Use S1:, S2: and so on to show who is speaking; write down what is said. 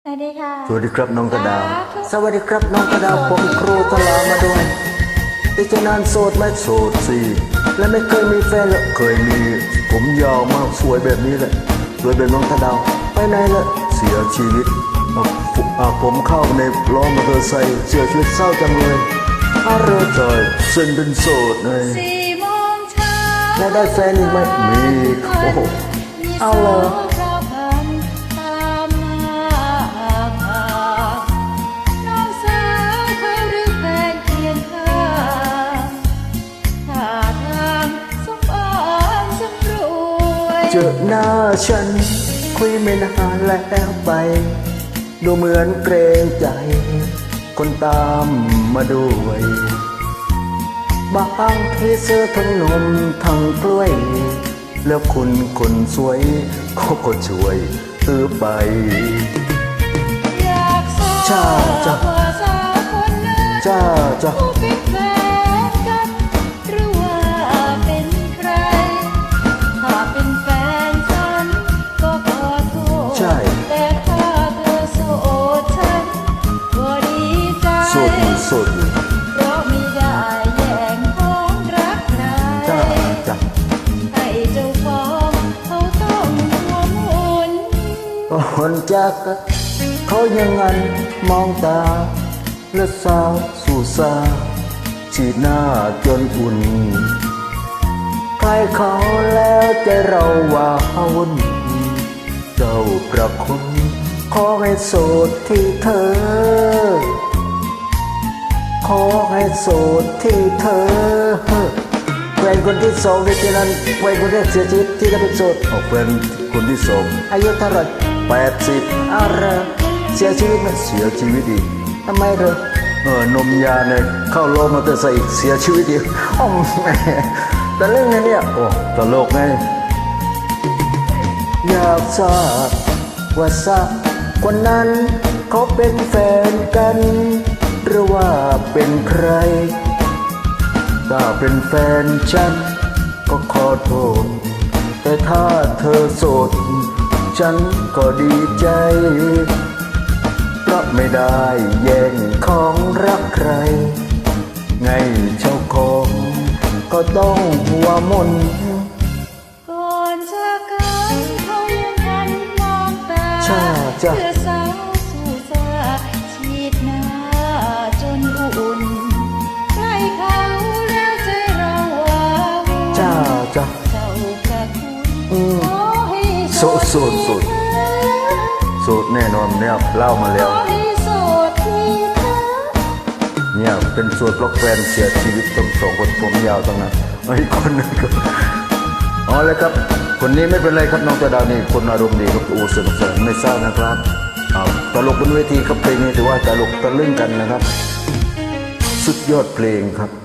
S1: สวัสดีค่ะ
S2: สวัสดีครับน้องกระดาวสวัสดีครับน้องกระดาวผมครูตลามาด้วยที่จะนานโสดไหมโสดสิและไม่เคยมีแฟนละเคยมีผมยาวมากสวยแบบนี้แหละสวยแบบน้องกระดาวไปไหนละเสียชีวิตผมเข้าในล้อมอเตอร์ไซค์เสียชีวิตเศร้าจังเลยเรือจอยเส้นเป็นโสดเลย
S1: 4 โมงเช้า
S2: แล้วได้แฟนอีกไหมมีโอ้โหเอาเลยเจอหน้าฉันคุยไม่นานแล้วไปดูเหมือนเกรงใจคนตามมาด้วยบางทีเสื้อทั้งนมทั้งกล้วยแล้วคุณคนสวยเขาก็ช่วยซื้อไป
S1: อยากทราบว่าสาวคนนั้น
S2: จ้า
S1: ผู้เป็นแฟนกันหรือว่าเป็นใครถ้าเป็นแฟนฉันก็ขอโทษแต่ถ้าเธอโสดฉันก็ดีใจ
S2: โสด
S1: เพราะไม่ได้แย่งของรักใครให้เจ้าของเขาต้องหัวหมุน
S2: คนจากเขายังงันมองตาและสาวสู่สาชีหน้าจนอุ่นใครเขาแล้วใจเราว่าวุ่นเจ้าประคุณขอให้โสดที่เธอขอให้โสดที่เธอแฟนคนที่สองในที่นั้นแฟนคนแรกเสียชีวิตที่ก็เป็นโสดแฟนคนที่สองอายุเท่าไหร่80อะไรเสียชีวิตไหมเสียชีวิตอีกทำไมเหรอนมยาเนี่ยเข้าโลมาเตอร์ไซค์อีกเสียชีวิตอีกแม่แต่เรื่องนี้เนี่ยโอ้ตลกไงอยากทราบว่าสักคนนั้นเขาเป็นแฟนกันหรือว่าเป็นใครถ้าเป็นแฟนฉันก็ขอโทษแต่ถ้าเธอโสดฉันก็ดีใจเพราะไม่ได้แย่งของรักใครไงเจ้าของก็ต้องหัวมน
S1: ก่อนจากกันเขายังหันมองตาเพื่อสาวสู่สาชีดหน้าจนอุ่นใกล้เขาแล้วใจเราว้าวุ่นเจ้าประคุณขอให้โ
S2: สดแน่นอนเนี่ยเล่ามาแล้วเนี่ยเป็นโสดเพราะแฟนเสียชีวิตต้องสองคนผมยาวตรงนั้นอีกคนนึงก็อ๋อเลยครับคนนี้ไม่เป็นไรครับน้องกระดาวนี่คนอารมณ์ดีครับโอ้สนุกสนานไม่เศร้านะครับตลกบนเวทีครับเพลงนี้ถือว่าตลกตะลึงกันนะครับสุดยอดเพลงครับ